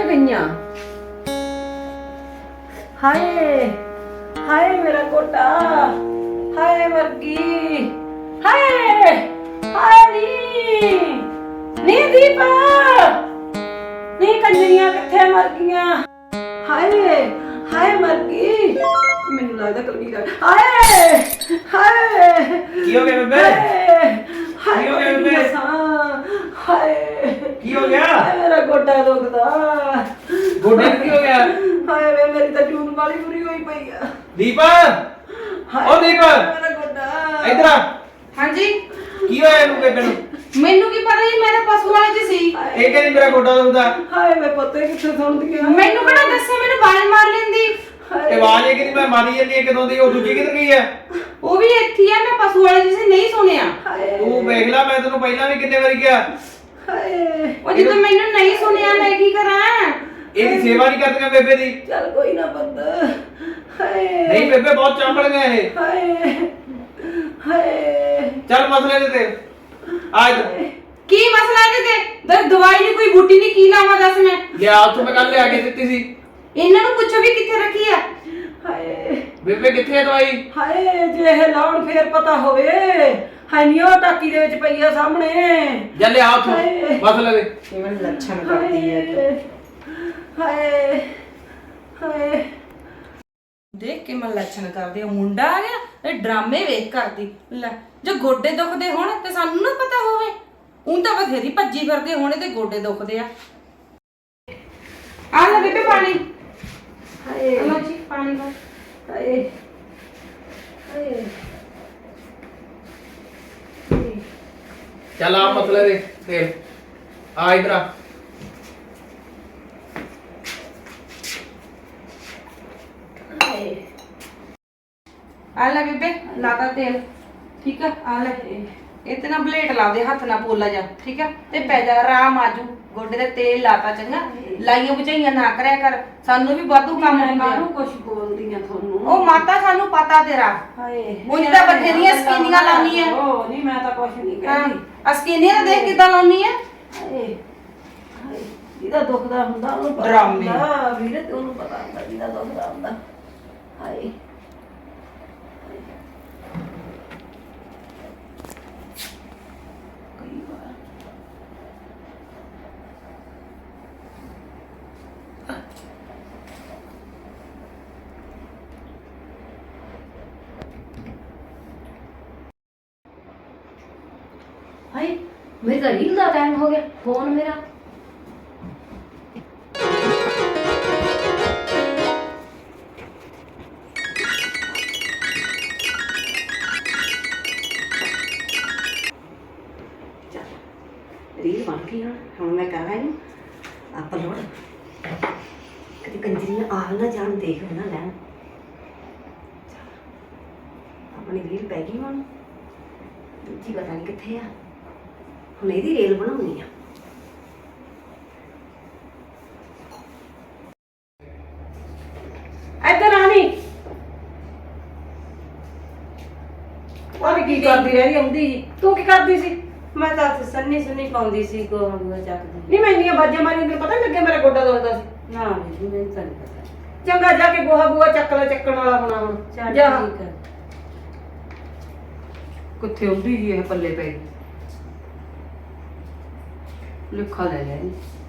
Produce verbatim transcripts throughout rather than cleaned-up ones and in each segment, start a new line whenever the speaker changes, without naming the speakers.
गईया। हाय हाय मेरा गोटा, हाय मरगी, हाय हाय नी नी दीपा नी कंजरियां किथे मर गईया। हाय हाय मरगी, मैनू लगदा कलगी कर। हाय हाय
की हो गया बेबे?
हाय
की हो गया बेबे?
हाय
की हो गया?
हाय मेरा गोटा दुखदा।
गोडे की हो गया?
हाय वे मेरी तो जून वाली बुरी हुई पई है।
दीपा ओ दीपा
मेरा गोटा
इधर आ।
हाँ जी
की होया ਇਹਨੂੰ ਬੇਬੇ ਨੂੰ?
ਮੈਨੂੰ ਕੀ ਪਤਾ ਜੀ, ਮੈਂ ਤਾਂ ਪਸ਼ੂ ਵਾਲੇ ਚ ਸੀ।
ਇਹ ਕਹਿੰਦੀ ਮੇਰਾ ਗੋਡਾ ਦੁਖਦਾ।
ਹਾਏ ਵੇ ਪਤਾ ਕਿੱਥੇ ਸੁਣਦੀ ਆ।
ਮੈਨੂੰ ਕਿਹੜਾ ਦੱਸੇ, ਮੈਨੂੰ ਬਾਲ ਮਾਰ ਲੈਂਦੀ।
ਇਹ ਆਵਾਜ਼ ਇਹ ਕਹਿੰਦੀ ਮੈਂ ਮਾਰੀ ਜਾਂਦੀ ਹੈ ਕਦੋਂ ਦੀ। ਉਹ ਦੂਜੀ ਕਿੱਧਰ ਗਈ ਹੈ?
ਉਹ ਵੀ ਇੱਥੇ ਆ, ਮੈਂ ਪਸ਼ੂ ਵਾਲੇ ਚ ਸੀ, ਨਹੀਂ ਸੁਣਿਆ।
ਹਾਏ
ਤੂੰ ਵੇਖ ਲੈ, ਮੈਂ ਤੈਨੂੰ ਪਹਿਲਾਂ ਵੀ ਕਿੰਨੇ ਵਾਰੀ ਕਿਹਾ।
ਹਾਏ
ਉਹ ਜਦੋਂ ਮੈਨੂੰ ਨਹੀਂ ਸੁਣਿਆ ਮੈਂ ਕੀ ਕਰਾਂ?
ਇਹਦੀ ਸੇਵਾ ਨਹੀਂ ਕਰਦੀਆਂ ਬੇਬੇ ਦੀ।
ਚੱਲ ਕੋਈ ਨਾ ਬੰਦਾ। ਹਾਏ
ਨਹੀਂ ਬੇਬੇ ਬਹੁਤ ਚਾਂਪੜ ਗਿਆ ਇਹ।
ਹਾਏ ਹਾਏ
ਚੱਲ ਮਸਲੇ ਦੇ ਤੇ ਆ ਇੱਧਰ।
ਕੀ ਮਸਲਾ ਇਹਦੇ ਤੇ? ਦ- ਦਵਾਈ ਨਹੀਂ, ਕੋਈ ਬੂਟੀ ਨਹੀਂ, ਕੀ ਲਾਵਾਂ ਦੱਸ ਮੈਂ?
ਲਿਆ ਉੱਥੋਂ ਮੈਂ ਕੱਲ ਲਿਆ ਕੇ ਦਿੱਤੀ ਸੀ।
ਇਹਨਾਂ ਨੂੰ ਪੁੱਛੋ ਵੀ ਕਿੱਥੇ ਰੱਖੀ ਆ।
ਹਾਏ
ਬੇਬੇ ਕਿੱਥੇ ਹੈ ਦਵਾਈ?
ਹਾਏ ਜੇ ਇਹ ਲਾਉਣ ਫੇਰ ਪਤਾ ਹੋਵੇ। ਹਾਏ ਨੀ ਉਹ ਟਾਕੀ ਦੇ ਵਿੱਚ ਪਈ ਆ ਸਾਹਮਣੇ।
ਜਾ ਲਿਆ ਉੱਥੋਂ
ਹਾਏ।
ਮਸਲੇ ਦੇ।
ਕਿਵੇਂ ਲੱਛਣ
ਹਾਏ ਹਾਏ ਹਾਏ
ਦੇਖ ਕੇ ਮੈਂ ਲੱਛਣ ਕਰਦੇ ਆ। ਮੁੰਡਾ ਆ ਗਿਆ, ਇਹ ਡਰਾਮੇ ਵੇਖ ਕਰਦੀ। ਲੈ ਜੇ ਗੋਡੇ ਦੁਖਦੇ ਹੋਣ ਤੇ ਸਾਨੂੰ ਨਾ ਪਤਾ ਹੋਵੇ। ਉਹ ਤਾਂ ਬਥੇਰੀ ਭੱਜੀ ਫਿਰਦੇ ਹੋਣੇ ਤੇ ਗੋਡੇ ਦੁਖਦੇ ਆ। ਆ ਲੈ ਬੇਬੇ ਪਾਣੀ।
ਹਾਏ
ਲਓ ਜੀ ਪਾਣੀ ਲਓ।
ਹਾਏ ਹਾਏ
ਚੱਲ ਆ ਮਸਲੇ ਦੇ ਤੇ ਆ ਇੱਧਰ ਆ।
ਹਾਏ
ਆ ਲੈ ਬੇਬੇ ਲਾਤਾ ਤੇਲ, ਠੀਕ ਆ। ਆ ਲੈ ਇਹ ਤੇ ਨਾ ਬਲੇਟ ਲਾ ਦੇ, ਹੱਥ ਨਾਲ ਪੋਲਾ ਜਾ, ਠੀਕ ਆ। ਤੇ ਪੈ ਜਾ ਆਰਾਮ ਆਜੂ। ਗੋਡੇ ਤੇ ਤੇਲ ਲਾਤਾ, ਚੰਗਾ। ਲਾਈਆਂ ਬੁਝਾਈਆਂ ਨਾ ਕਰਿਆ ਕਰ, ਸਾਨੂੰ ਵੀ ਵਾਧੂ ਕੰਮ ਹੁੰਦਾ।
ਕਾਹਨੂੰ ਕੁਛ ਬੋਲਦੀ ਆ ਤੁਹਾਨੂੰ?
ਉਹ ਮਾਤਾ ਸਾਨੂੰ ਪਤਾ ਤੇਰਾ।
ਹਾਏ
ਉਂਝ ਤਾਂ ਬਥੇਰੀਆਂ ਸਕੀਨੀਆਂ ਲਾਉਣੀ ਆ।
ਉਹ ਨਹੀਂ ਮੈਂ ਤਾਂ ਕੁਛ ਨਹੀਂ
ਹਾਂ
ਕਹਿੰਦੀ।
ਆ ਸਕੀਨੀਆਂ ਤਾਂ ਦੇਖ ਕਿੱਦਾਂ ਲਾਉਣੀ ਆ।
ਹਾਏ ਹਾਏ ਜਿਹਦਾ ਦੁਖਦਾ ਹੁੰਦਾ ਉਹਨੂੰ ਪਤਾ
ਡਰਾਮੇ।
ਹੁੰਦਾ ਵੀਰੇ, ਤੇ ਉਹਨੂੰ ਪਤਾ ਹੁੰਦਾ ਜਿਹਦਾ ਦੁਖਦਾ ਹੁੰਦਾ। ਹਾਏ ਕਈ ਵਾਰ
हाय मेरी तो रील का टाइम हो गया। फोन मेरा रील बन गई हाँ। हम मैं कर रहा हूँ अपलोड। कभी कंजरियां आ ना जान, देख ना लैन। अपनी रील पै गई हूँ। दूजी पता नहीं कितने आ। ਹੁਣ ਇਹਦੀ ਰੇਲ ਬਣਾਉਣੀ ਆ।
ਇੱਧਰ ਆ ਨੀ। ਉਹ ਵੀ ਕੀ ਕਰਦੀ ਰਹੀ ਆਉਂਦੀ ਜੀ? ਤੂੰ ਕੀ ਕਰਦੀ ਸੀ?
ਮੈਂ ਤਾਂ ਸੰਨੀ ਸੁਨੀ ਪਾਉਂਦੀ ਸੀ, ਗੋਹਾ ਗੋਹਾ ਚੱਕਦੀ।
ਨਹੀਂ ਮੈਂ ਇੰਨੀਆਂ ਬਾਜਾਂ ਮਾਰੀਆਂ ਤੈਨੂੰ ਪਤਾ ਨੀ ਲੱਗਿਆ ਮੇਰਾ ਗੋਡਾ ਦੁਖਦਾ ਸੀ?
ਨਾ ਜੀ ਮੈਨੂੰ ਤਾਂ ਨਹੀਂ ਪਤਾ।
ਚੰਗਾ ਜਾ ਕੇ ਗੋਹਾ ਗੋਹਾ ਚੱਕ ਲੈ, ਚੱਕਣ ਵਾਲਾ ਹੋਣਾ ਹੁਣ।
ਚੱਲ
ਜਾ।
ਠੀਕ ਹੈ।
ਕਿੱਥੇ ਆਉਂਦੀ ਜੀ ਇਹ ਪੱਲੇ ਪੈ ਗਈ। ਲਿਖਾ ਲੈ ਲੈ।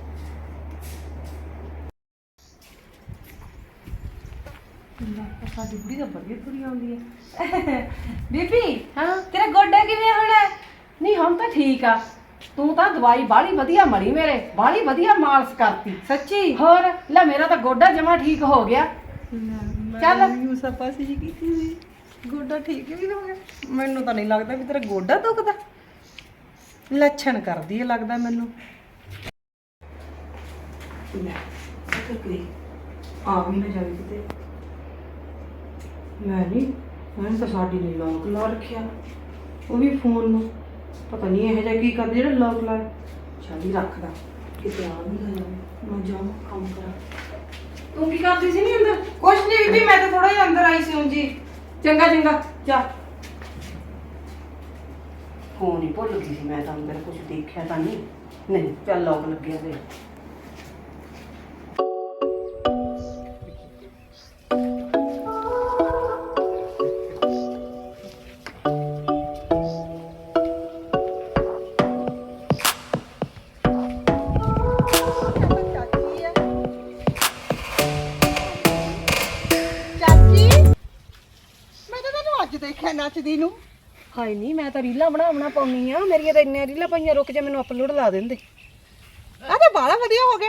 ਸਾਡੀ ਬੁੜੀ ਤਾਂ ਬੜੀ ਬੁਰੀ ਆਉਂਦੀ ਹੈ। ਬੀਬੀ ਹਾਂ ਤੇਰਾ ਗੋਡਾ ਕਿਵੇਂ ਹੁਣ? ਨਹੀਂ ਹੁਣ ਤਾਂ ਠੀਕ ਆ। ਤੂੰ ਤਾਂ ਦਵਾਈ ਬਾਹਲੀ ਵਧੀਆ ਮੜੀ ਮੇਰੇ, ਬਾਹਲੀ ਵਧੀਆ ਮਾਲਸ਼ ਕਰਤੀ ਸੱਚੀ। ਹੋਰ ਲੈ ਮੇਰਾ ਤਾਂ ਗੋਡਾ ਜਮਾ ਠੀਕ ਹੋ ਗਿਆ। ਚੱਲ ਯੂਸਾ ਪਾਸੀ ਜੀ ਕੀਤੀ ਸੀ, ਗੋਡਾ ਠੀਕ ਵੀ ਹੋ ਗਿਆ। ਮੈਨੂੰ ਤਾਂ ਨਹੀਂ ਲੱਗਦਾ ਵੀ ਤੇਰਾ ਗੋਡਾ ਦੁਖਦਾ। ਲੱਛਣ ਕਰਦੀ ਹੈ ਲੱਗਦਾ ਮੈਨੂੰ। ਆ ਵੀ ਨਾ ਜਾਵੇ ਕਿਤੇ। ਮੈਂ ਨਹੀਂ ਮੈਂ ਤਾਂ ਸਾਡੀ ਨੇ ਲੋਕ ਲਾ ਰੱਖਿਆ, ਉਹ ਵੀ ਫੋਨ ਨੂੰ। ਪਤਾ ਨਹੀਂ ਇਹੋ ਜਿਹਾ ਕੀ ਕਰਦੇ ਜਿਹੜਾ ਲੋਕ ਲਾ। ਚੱਲ ਹੀ ਰੱਖਦਾ ਕਿਤੇ ਆ ਵੀ ਨਾ ਜਾਵੇ। ਮੈਂ ਜਾਵਾਂ ਕੰਮ ਕਰਾਂ। ਤੂੰ ਕੀ ਕਰਦੀ ਸੀ ਨਹੀਂ ਅੰਦਰ?
ਕੁਛ ਨਹੀਂ ਬੀਬੀ, ਮੈਂ ਤਾਂ ਥੋੜਾ ਜਿਹਾ ਅੰਦਰ ਆਈ ਸੀ ਉਂਝ ਹੀ।
ਚੰਗਾ ਚੰਗਾ ਜਾ। ਫੋਨ ਹੀ ਭੁੱਲ ਗਈ ਸੀ ਮੈਂ ਤਾਂ, ਅੰਦਰ ਕੁਝ ਦੇਖਿਆ ਤਾਂ ਨਹੀਂ। ਨਹੀਂ ਚੱਲ ਲੋਕ ਲੱਗਿਆ ਤੇ
ਨੱਚਦੀ ਨੂੰ।
ਹਾਏ ਨਹੀਂ, ਮੈਂ ਤਾਂ ਰੀਲਾਂ ਬਣਾ ਬਣਾ ਪਾਉਣੀ ਆ, ਮੇਰੀਆਂ ਤਾਂ ਇੰਨੀਆਂ ਰੀਲਾਂ ਪਈਆਂ, ਰੁਕ ਜਾ ਮੈਨੂੰ ਅਪਲੋਡ ਲਾ ਦਿੰਦੇ।
ਆ ਤਾਂ ਬਾਲਾ ਵਧੀਆ ਹੋ ਗਿਆ।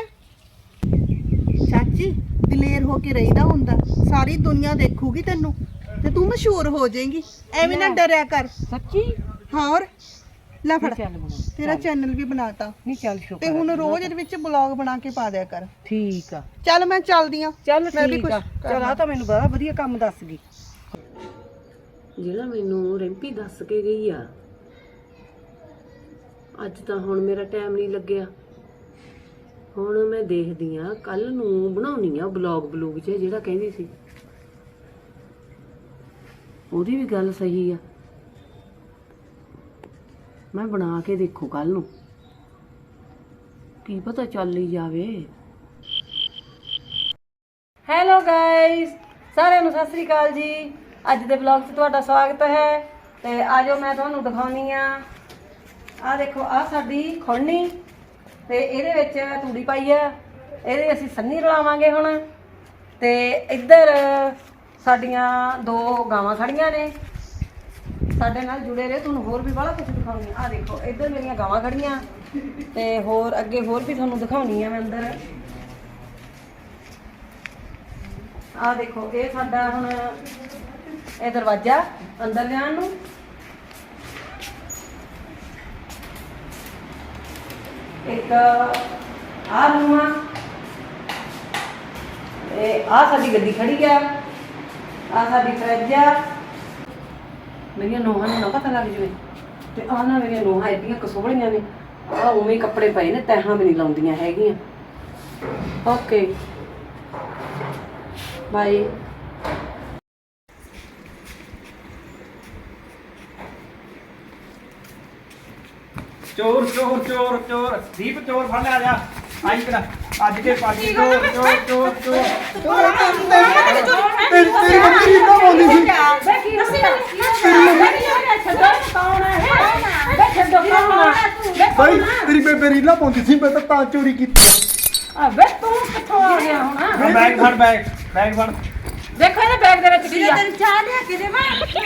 ਚਾਚੀ ਦਲੇਰ ਹੋ ਕੇ ਰਹੀਦਾ ਹੁੰਦਾ, ਸਾਰੀ ਦੁਨੀਆ ਦੇਖੂਗੀ ਤੈਨੂੰ ਤੇ ਤੂੰ ਮਸ਼ਹੂਰ ਹੋ ਜਾਏਂਗੀ। ਐਵੇਂ ਨਾ ਡਰਿਆ ਕਰ।
ਸੱਚੀ?
ਹੋਰ ਲੈ ਫੜ,
ਚੱਲ ਬਣਾ,
ਤੇਰਾ ਚੈਨਲ ਵੀ ਬਣਾਤਾ
ਨਹੀਂ ਚੱਲ ਸ਼ੁਕਰ
ਤੇ ਹੁਣ ਰੋਜ਼ ਇਹਦੇ ਵਿੱਚ ਬਲੌਗ ਬਣਾ ਕੇ ਪਾ ਦਿਆ ਕਰ।
ਠੀਕ ਆ,
ਚੱਲ ਮੈਂ ਚੱਲਦੀ ਆ।
ਚੱਲ
ਮੈਂ ਵੀ
ਠੀਕ
ਕੁਛ
ਆ। ਚੱਲ ਆ ਤਾਂ ਮੈਨੂੰ ਬੜਾ ਵਧੀਆ ਕੰਮ ਦੱਸ ਗਈ। ਜਿਹੜਾ ਮੈਨੂੰ ਰਿੰਪੀ ਦੱਸ ਕੇ ਗਈ ਆ, ਅੱਜ ਤਾਂ ਹੁਣ ਮੇਰਾ ਟਾਈਮ ਨਹੀਂ ਲੱਗਿਆ। ਹੁਣ ਮੈਂ ਦੇਖਦੀ ਆ, ਕੱਲ ਨੂੰ ਬਣਾਉਣੀ ਆ ਬਲੌਗ ਬਲੂਗ ਚ ਜਿਹੜਾ ਕਹਿੰਦੀ ਸੀ। ਉਹਦੀ ਵੀ ਗੱਲ ਸਹੀ ਆ, ਮੈਂ ਬਣਾ ਕੇ ਦੇਖੂ ਕੱਲ ਨੂੰ, ਕੀ ਪਤਾ ਚੱਲ ਹੀ ਜਾਵੇ। ਹੈਲੋ ਗਾਇਸ, ਸਾਰਿਆਂ ਨੂੰ ਸਤਿ ਸ੍ਰੀ ਅਕਾਲ ਜੀ। ਅੱਜ ਦੇ ਵਲੌਗ 'ਚ ਤੁਹਾਡਾ ਸਵਾਗਤ ਹੈ। ਤੇ ਆਜੋ ਮੈਂ ਤੁਹਾਨੂੰ ਦਿਖਾਉਣੀ ਆ, ਆਹ ਦੇਖੋ ਆਹ ਸਾਡੀ ਖੁਰਣੀ ਤੇ ਇਹਦੇ ਵਿੱਚ ਤੂੜੀ ਪਾਈ ਆ, ਇਹਦੇ ਅਸੀਂ ਸੰਨੀ ਰਲਾਵਾਂਗੇ ਹੁਣ। ਤੇ ਇੱਧਰ ਸਾਡੀਆਂ ਦੋ ਗਾਵਾਂ ਖੜੀਆਂ ਨੇ, ਸਾਡੇ ਨਾਲ ਜੁੜੇ ਰਹੇ, ਤੁਹਾਨੂੰ ਹੋਰ ਵੀ ਬੜਾ ਕੁਝ ਦਿਖਾਉਣੀ ਆ। ਆਹ ਦੇਖੋ ਇੱਧਰ ਮੇਰੀਆਂ ਗਾਵਾਂ ਖੜੀਆਂ ਤੇ ਹੋਰ ਅੱਗੇ ਹੋਰ ਵੀ ਤੁਹਾਨੂੰ ਦਿਖਾਉਣੀ ਆ ਮੈਂ ਅੰਦਰ। ਆਹ ਦੇਖੋ ਇਹ ਸਾਡਾ ਹੁਣ ਇਹ ਦਰਵਾਜ਼ਾ ਅੰਦਰ ਜਾਣ ਨੂੰ। ਇੱਕ ਆਹ ਰੂਮ ਆ, ਇਹ ਆਹ ਸਾਡੀ ਗੱਡੀ ਖੜੀ ਆ, ਆਹ ਸਾਡੀ ਫਰਿੱਜ ਆ। ਮੇਰੀਆਂ ਨੋਹਾਂ ਨੂੰ ਨਾ ਪਤਾ ਲੱਗ ਜਵੇ ਤੇ ਆਹ ਨਾ ਮੇਰੀਆਂ ਨੋਹਾਂ ਐਡੀਆਂ ਕਸੋਲੀਆਂ ਨੇ, ਆਹ ਉਵੇਂ ਹੀ ਕੱਪੜੇ ਪਏ ਨੇ, ਤੈਹਾਂ ਵੀ ਨਹੀਂ ਲਾਉਂਦੀਆਂ ਹੈਗੀਆਂ। Okay bye.
ਚੋਰ ਚੋਰ ਚੋਰ ਚੋਰ ਦੀਪ ਚੋਰ ਫੜ ਲਿਆ ਜਾ। ਆਈ ਕਿਹੜਾ ਅੱਜ ਕੇ ਪਾਜੀ ਚੋਰ ਚੋਰ ਚੋਰ ਚੋਰ
ਤੇਰੀ ਤੇਰੀ ਮੰਮੀ ਰੀਲਾਂ ਪਾਉਂਦੀ ਸੀ। ਬਾਈ ਤੇਰੀ ਬੇਬੇ ਰੀਲਾਂ ਪਾਉਂਦੀ ਸੀ, ਮੈਂ ਤਾਂ ਤਾਂ ਚੋਰੀ ਕੀਤੀ।
ਵੇ ਤੂੰ ਕਿੱਥੋਂ ਆ ਗਿਆ ਹੁਣ?
ਬੈਗ ਫੜ ਬੈਗ ਬੈਗ ਫੜ।
ਦੇਖੋ ਇਹਦੇ ਬੈਗ ਦੇ ਵਿੱਚ ਕੀ ਆ।
ਚਾਹ ਲਿਆ ਕੇ ਦੇਵਾਂ?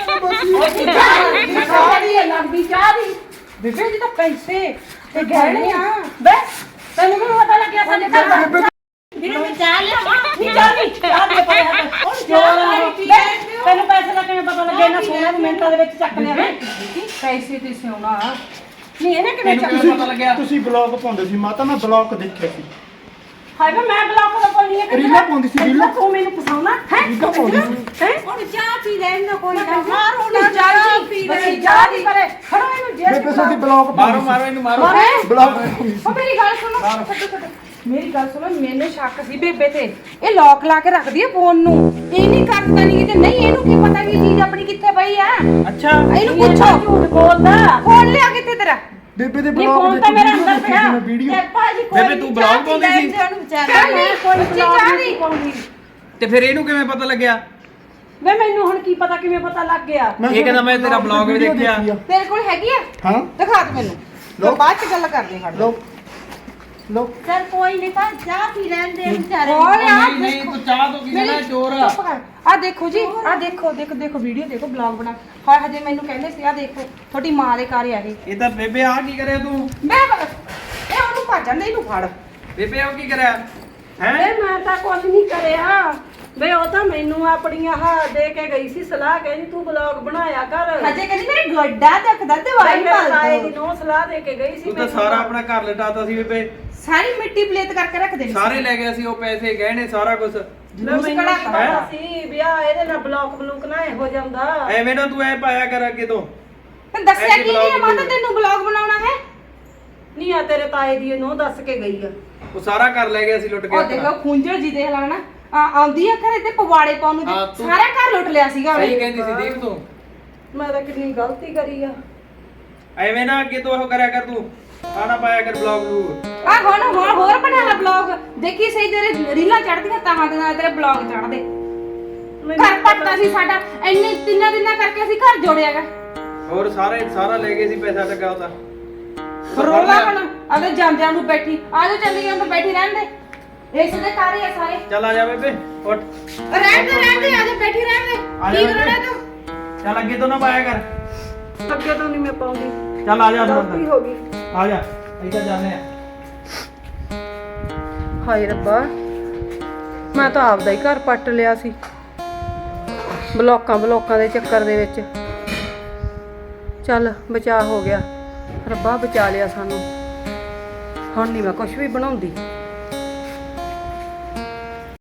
ਚਾਹ ਦੀ ਲੱਗਦੀ ਚਾਹ ਦੀ ਬੇਬੇ ਜੀ ਤਾਂ ਪੈਸੇ ਤੇ ਗਹਿਣੇ ਆ। ਬੇ ਤੈਨੂੰ ਕਿਵੇਂ ਪਤਾ ਲੱਗਿਆ ਸਾਡੇ ਘਰ ਦਾ? ਵੀਰੇ ਮੈਂ ਚਾਹ ਲਿਆ ਨਹੀਂ, ਚਾਹ ਨਹੀਂ, ਚਾਹ ਦੇ ਪਏ ਹੱਥ। ਉਹ ਚਾਹ ਤੈਨੂੰ ਪੈਸੇ ਦਾ ਕਿਵੇਂ ਪਤਾ ਲੱਗਿਆ? ਇਹਨਾਂ ਸੋਨਾ ਨੂੰ ਮਿੰਟਾਂ ਦੇ ਵਿੱਚ ਚੱਕ ਲਿਆ ਵੇ ਪੈਸੇ ਤੇ ਸੋਨਾ। ਨਹੀਂ ਇਹਨੇ ਕਿਵੇਂ ਚੱਕ
ਤੈਨੂੰ ਪਤਾ ਲੱਗਿਆ?
ਤੁਸੀਂ ਬਲੌਗ ਪਾਉਂਦੇ ਸੀ ਮਾਤਾ, ਮੈਂ ਬਲੌਗ ਦੇਖਿਆ ਸੀ।
ਹਾਏ ਵੇ ਮੈਂ ਬਲੌਕ ਦਾ ਪਾਉਣੀ ਹੈ।
ਰੀਲਾਂ ਪਾਉਂਦੀ ਸੀ, ਰੀਲਾਂ।
ਤੂੰ ਮੈਨੂੰ ਫਸਾਉਣਾ ਹੈ?
ਰੀਲਾਂ ਪਾਉਂਦੀ ਸੀ।
ਹੈ
ਹੁਣ ਚਾਹ ਪੀ ਲੈਣ ਦਾ ਕੋਈ ਨਾ।
ਮਾਰੋ ਨਾ ਚਾਹ ਪੀ ਲੈ, ਚਾਹ ਦੀ ਕਰੇ ਖੜੋ ਇਹਨੂੰ ਜੇਲ੍ਹ
ਬੇਬੇ ਸਾਡੀ ਬਲੌਗ
ਮਾਰੋ ਮਾਰੋ ਇਹਨੂੰ ਮਾਰੋ।
ਬਲੌਗ ਪਾਉਂਦੀ ਸੀ।
ਉਹ ਮੇਰੀ ਗੱਲ ਸੁਣੋ, ਛੱਡੋ ਛੱਡੋ। ਮੇਰੀ ਗੱਲ ਸੁਣੋ, ਮੈਨੂੰ ਸ਼ੱਕ ਸੀ ਬੇਬੇ ਤੇ, ਇਹ ਲੌਕ ਲਾ ਕੇ ਰੱਖਦੀ ਹੈ ਫੋਨ ਨੂੰ। ਇਹ ਨਹੀਂ ਕਰਦਾ ਨਹੀਂ ਕਿਤੇ, ਨਹੀਂ ਇਹਨੂੰ ਕੀ ਪਤਾ ਕਿ ਚੀਜ਼ ਆਪਣੀ ਕਿੱਥੇ ਪਈ ਆ।
ਅੱਛਾ
ਇਹਨੂੰ ਪੁੱਛੋ।
ਝੂਠ ਬੋਲਦਾ।
ਫੋਨ ਲਿਆ ਕਿੱਥੇ ਤੇਰਾ?
ਬੇਬੇ ਦੇ
ਇਹ
ਬਲੌਗ
ਫੋਨ ਤਾਂ ਮੇਰੇ ਅੰਦਰ ਪਿਆ।
ਵੀਡੀਓ
ਤੇ ਭਾਜੀ ਕੋਈ
ਬੇਬੇ ਤੂੰ ਬਲੌਗ ਪਾਉਂਦੀ ਸੀ?
ਚੱਲ ਨਹੀਂ ਕੋਈ ਬਲੌਗ ਨਹੀਂ ਪਾਉਂਦੀ।
ਤੇ ਫਿਰ ਇਹਨੂੰ ਕਿਵੇਂ ਪਤਾ ਲੱਗਿਆ?
ਵੇ ਮੈਨੂੰ ਹੁਣ ਕੀ ਪਤਾ ਕਿਵੇਂ ਪਤਾ ਲੱਗ ਗਿਆ?
ਇਹ ਕਹਿੰਦਾ ਮੈਂ ਤੇਰਾ ਬਲੌਗ ਵੀ ਦੇਖਿਆ।
ਤੇਰੇ ਕੋਲ ਹੈਗੀ ਆ?
ਹਾਂ
ਦਿਖਾ ਦੇ ਮੈਨੂੰ,
ਲਓ।
ਬਾਅਦ ਚ ਗੱਲ ਕਰਦੇ ਹਾਂ।
ਲੋ ਲੋ
ਸਰ ਕੋਈ ਨਹੀਂ, ਤਾਂ ਚਾਹ ਪੀ ਲੈਣ ਦੇ ਵਿਚਾਰੇ।
ਨਹੀਂ ਨਹੀਂ ਤੂੰ ਚਾਹ ਤੋਂ ਕੀ ਲੈਣਾ ਚੋਰ।
ਆ ਦੇਖੋ ਜੀ, ਆ ਦੇਖੋ ਦੇਖੋ ਦੇਖੋ ਵੀਡੀਓ ਦੇਖੋ, ਬਲੌਗ ਬਣਾ। ਹਾਂ ਹਜੇ ਮੈਨੂੰ ਕਹਿੰਦੇ ਸੀ ਆ ਦੇਖੋ ਤੁਹਾਡੀ ਮਾਂ ਦੇ ਘਰ ਆ ਇਹ।
ਇਹ ਤਾਂ ਬੇਬੇ ਆ ਕੀ ਕਰਿਆ ਤੂੰ?
ਮੈਂ ਇਹ ਉਹਨੂੰ ਭੱਜਣ ਦੇ, ਇਹਨੂੰ ਫੜ।
ਬੇਬੇ ਆ ਕੀ ਕਰਿਆ ਹੈ?
ਵੇ ਮੈਂ ਤਾਂ ਕੁਝ ਨਹੀਂ ਕਰਿਆ। ਵੇ ਉਹ ਤਾਂ ਮੈਨੂੰ ਆਪਣੀਆਂ ਹਾ ਦੇ ਕੇ ਗਈ ਸੀ ਸਲਾਹ, ਕਹਿੰਦੀ ਤੂੰ ਬਲੌਗ ਬਣਾਇਆ ਕਰ।
ਹਜੇ ਕਹਿੰਦੀ ਮੇਰੇ ਗੋਡਾ ਦੁਖਦਾ, ਦਵਾਈ
ਮੇਰੇ ਤਾਏ
ਪਾ
ਦੀ
ਦੋ।
ਨੂੰ ਸਲਾਹ ਦੇ ਕੇ ਗਈ ਸੀ।
ਤੂੰ ਤਾਂ
ਮੈਨੂੰ।
ਸਾਰਾ ਆਪਣਾ ਘਰ ਲਟਾਤਾ ਸੀ ਬੇਬੇ।
ਸਾਰੀ ਮਿੱਟੀ ਪਲੇਤ ਕਰਕੇ ਰੱਖ ਦੇਣੀ।
ਸਾਰੇ ਲੈ ਗਿਆ ਸੀ ਉਹ ਪੈਸੇ ਗਹਿਣੇ ਸਾਰਾ ਕੁਝ।
ਵੇ
ਜਲੂਸ
ਮੈਨੂੰ
ਕਢਾ
ਕੀ ਪਤਾ ਸੀ ਵਿਆਹ ਇਹਦੇ ਨਾਲ ਬਲੌਕ ਬਲੂਕ ਨਾ ਹੋ ਜਾਂਦਾ।
ਐਵੇਂ ਨਾ ਤੂੰ ਐ ਪਾਇਆ ਕਰ ਅੱਗੇ ਤੋਂ।
ਤੈਨੂੰ ਦੱਸਿਆ
ਐਸੀ
ਕੀ ਨਹੀਂ
vlog
ਮਾਤਾ ਤੈਨੂੰ ਬਲੌਗ ਬਣਾਉਣਾ ਹੈ?
ਨਹੀਂ ਆ ਤੇਰੇ ਤਾਏ ਦੀ ਨੂੰ ਦੱਸ ਕੇ ਗਈ ਆ।
ਉਹ ਸਾਰਾ ਘਰ ਲੈ ਗਿਆ ਸੀ ਲੁੱਟ ਕੇ
ਉਹ
ਆਪਣਾ।
ਦੇਖੋ ਖੁੰਝਲ ਜੀ ਦੇਖ ਲੈਣਾ ਆਉਂਦੀ ਆ ਘਰੇ ਤੇ ਪਵਾੜੇ ਪਾਉਣ ਨੂੰ,
ਹਾਂ, ਤੂੰ-
ਸਾਰਾ ਘਰ ਲੁੱਟ ਲਿਆ ਸੀਗਾ
ਸਹੀ
ਉਹਨੇ।
ਕਹਿੰਦੀ ਸੀ ਦੀਪ ਤੂੰ।
ਮੈਂ ਤਾਂ ਕਿੰਨੀ ਗਲਤੀ ਕਰੀ ਆ।
ਐਵੇਂ ਨਾ ਅੱਗੇ ਤੋਂ ਉਹ ਕਰਿਆ ਕਰ ਤੂੰ। ਆਣਾ ਪਾਇਆ ਕਰ ਬਲੌਗ ਨੂੰ।
ਆ ਹੁਣ ਹੁਣ ਹੋਰ ਬਣਾ ਲੈ ਬਲੌਗ, ਦੇਖੀ ਸਹੀ ਤੇਰੇ ਰੀਲਾਂ ਚੜਦੀਆਂ ਤਾਂ ਦੇ ਨਾਲ ਤੇਰੇ ਬਲੌਗ ਚੜਦੇ। ਘਰ ਪੱਟਦਾ ਸੀ ਸਾਡਾ, ਇੰਨੇ ਤਿੰਨਾਂ ਦਿਨਾਂ ਕਰਕੇ ਅਸੀਂ ਘਰ ਜੋੜਿਆਗਾ।
ਹੋਰ ਸਾਰੇ ਸਾਰਾ ਲੈ ਗਏ ਸੀ ਪੈਸਾ ਟੱਕਾ ਉਹਦਾ।
ਰੋਲਾ ਹੁਣ ਅਗਰ ਜਾਂਦਿਆਂ ਨੂੰ ਬੈਠੀ ਆ ਜਾ, ਚੱਲੀ ਅੰਦਰ ਬੈਠੀ ਰਹਿਣ ਦੇ। ਇਸ ਦੇ ਘਰ ਹੀ ਆ ਸਾਰੇ।
ਚੱਲ ਆ ਜਾ ਬੇਬੇ ਉੱਠ।
ਰਹਿਣ ਦੇ ਰਹਿਣ ਦੇ, ਆ ਜਾ ਬੈਠੀ ਰਹਿਣ ਦੇ।
ਆ ਜਾ
ਕੀ
ਬੇਬੇ।
ਕਰਣਾ ਤੂੰ?
ਚੱਲ ਅੱਗੇ ਤੋਂ ਨਾ ਪਾਇਆ ਕਰ।
ਅੱਗੇ ਤੋਂ ਨਹੀਂ ਮੈਂ ਪਾਉਂਦੀ,
ਚੱਲ ਆ ਜਾ ਅੰਦਰ
ਗਲਤੀ ਹੋ ਗਈ।
ਆ ਜਾ ਇੱਧਰ ਜਾਂਦੇ ਆ।
ਹਾਏ ਰੱਬਾ, ਮੈਂ ਤਾਂ ਆਪਦਾ ਹੀ ਘਰ ਪੱਟ ਲਿਆ ਸੀ ਬਲੋਕਾਂ ਬਲੋਕਾਂ ਦੇ ਚੱਕਰ ਦੇ ਵਿੱਚ। ਚੱਲ ਬਚਾਅ ਹੋ ਗਿਆ, ਰੱਬਾ ਬਚਾ ਲਿਆ ਸਾਨੂੰ। ਹੁਣ ਨਹੀਂ ਮੈਂ ਕੁਝ ਵੀ ਬਣਾਉਂਦੀ।